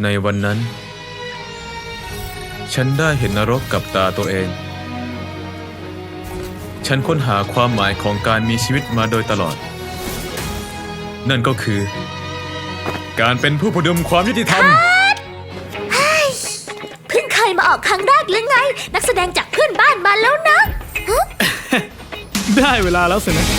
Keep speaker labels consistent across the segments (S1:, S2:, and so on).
S1: ในวันนั้นฉันได้เห็นนรกกับตาตัวเองฉันค้นหาความหมายของการมีชีวิตมาโดยตลอดนั่นก็คือการเป็นผู้พดุงความยุติธรรม
S2: เพิ่งเคยมาออกครั้งแรกหรือไงนักแสดงจากเพื่อนบ้านมาแล้วนะ
S3: ได้เวลาแล้วสินะ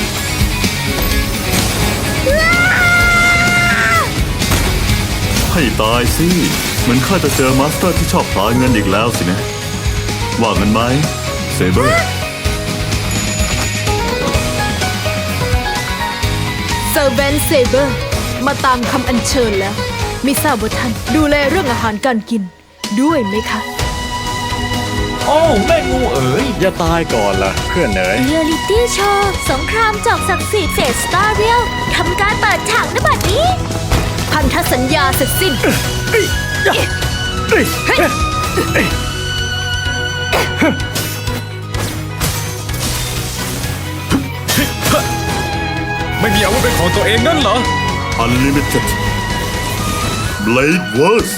S4: ให้ตายสิเหมือนข้าจะเจอมาสเตอร์ที่ชอบผลาญเงินอีกแล้วสินะว่าเงินไหมเซเบอร์
S5: เซอร์เวนเซเบอร์มาตามคำอัญเชิญแล้วไม่ทราบว่าท่านดูแลเรื่องอาหารการกินด้วยไหมคะ
S3: โอ้แม่งูเอ๋ยอย่าตายก่อนล่ะเพื่อนเอ๋ย
S2: เรียลิตี้โชว์สงครามจอกศักดิ์สิทธิ์เฟสสตาร์เรียลทำการเปิดฉากณบัดนี้
S5: พันธสัญญาเสร็จสิ้น
S1: ไม่มีอาวุธเป็นของตัวเองนั่นเหรอ
S4: Unlimited Blade Wars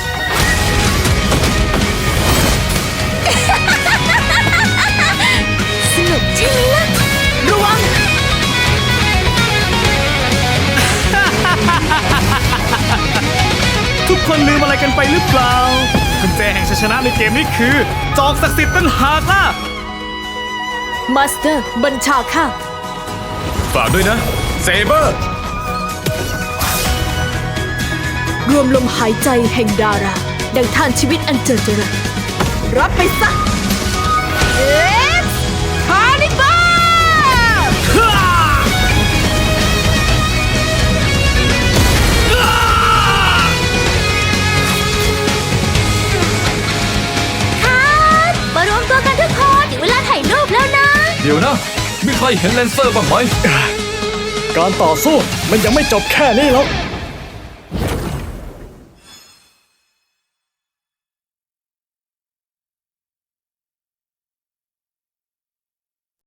S2: สนุกใช่ไหมล่ะ
S5: ระวัง
S3: ทุกคนลืมอะไรกันไปหรือเปล่ากุญแจแห่งชัยชนะในเกมนี้คือจอกศักดิ์สิทธิ์ตั้งหากล่ะ
S5: มาสเตอร์บัญชาข้า
S1: ฝากด้วยนะเซเบอร์
S5: รวมลมหายใจแห่งดาราดังทานชีวิตอันเจิดจรัสรับไปซะเอ็กซ์คาร์นิบา
S2: มารวมตัวกันทุกคนถึงเวลาถ่ายรูปแล้วนะ
S1: เดี๋ยวนะมีใครเห็นเลนเซอร์บ้างไหม
S3: การต่อสู้มันยังไม่จบแค่นี้หรอก